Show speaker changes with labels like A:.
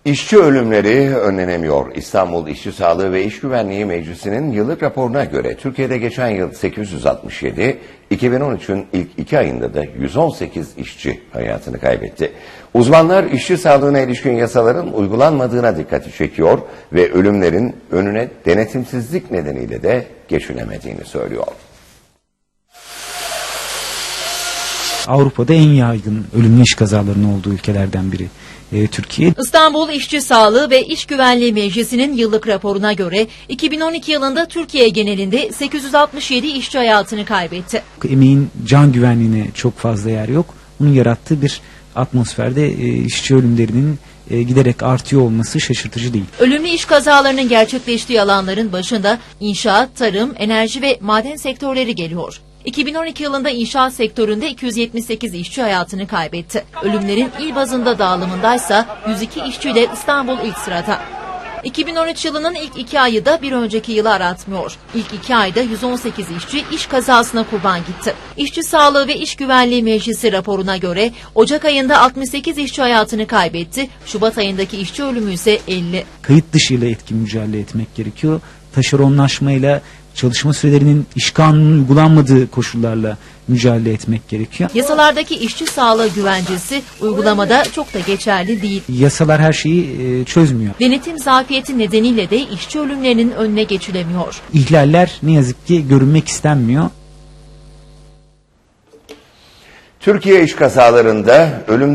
A: İşçi ölümleri önlenemiyor. İstanbul İşçi Sağlığı ve İş Güvenliği Meclisi'nin yıllık raporuna göre Türkiye'de geçen yıl 867, 2013'ün ilk 2 ayında da 118 işçi hayatını kaybetti. Uzmanlar işçi sağlığına ilişkin yasaların uygulanmadığına dikkati çekiyor ve ölümlerin önüne denetimsizlik nedeniyle de geçilemediğini söylüyor.
B: Avrupa'da en yaygın ölümlü iş kazalarının olduğu ülkelerden biri Türkiye.
C: İstanbul İşçi Sağlığı ve İş Güvenliği Meclisi'nin yıllık raporuna göre 2012 yılında Türkiye genelinde 867 işçi hayatını kaybetti.
B: Emeğin can güvenliğine çok fazla yer yok. Bunun yarattığı bir atmosferde işçi ölümlerinin giderek artıyor olması şaşırtıcı değil.
C: Ölümlü iş kazalarının gerçekleştiği alanların başında inşaat, tarım, enerji ve maden sektörleri geliyor. 2012 yılında inşaat sektöründe 278 işçi hayatını kaybetti. Ölümlerin il bazında dağılımındaysa 102 işçiyle İstanbul ilk sırada. 2013 yılının ilk 2 ayı da bir önceki yılı aratmıyor. İlk 2 ayda 118 işçi iş kazasına kurban gitti. İşçi Sağlığı ve İş Güvenliği Meclisi raporuna göre Ocak ayında 68 işçi hayatını kaybetti. Şubat ayındaki işçi ölümü ise 50.
B: Kayıt dışıyla etkin mücadele etmek gerekiyor. Taşeronlaşmayla, çalışma sürelerinin iş kanununun uygulanmadığı koşullarla mücadele etmek gerekiyor.
C: Yasalardaki işçi sağlığı güvencesi uygulamada çok da geçerli değil.
B: Yasalar her şeyi çözmüyor.
C: Denetim zafiyeti nedeniyle de işçi ölümlerinin önüne geçilemiyor.
B: İhlaller ne yazık ki görünmek istenmiyor.
A: Türkiye iş kazalarında ölüm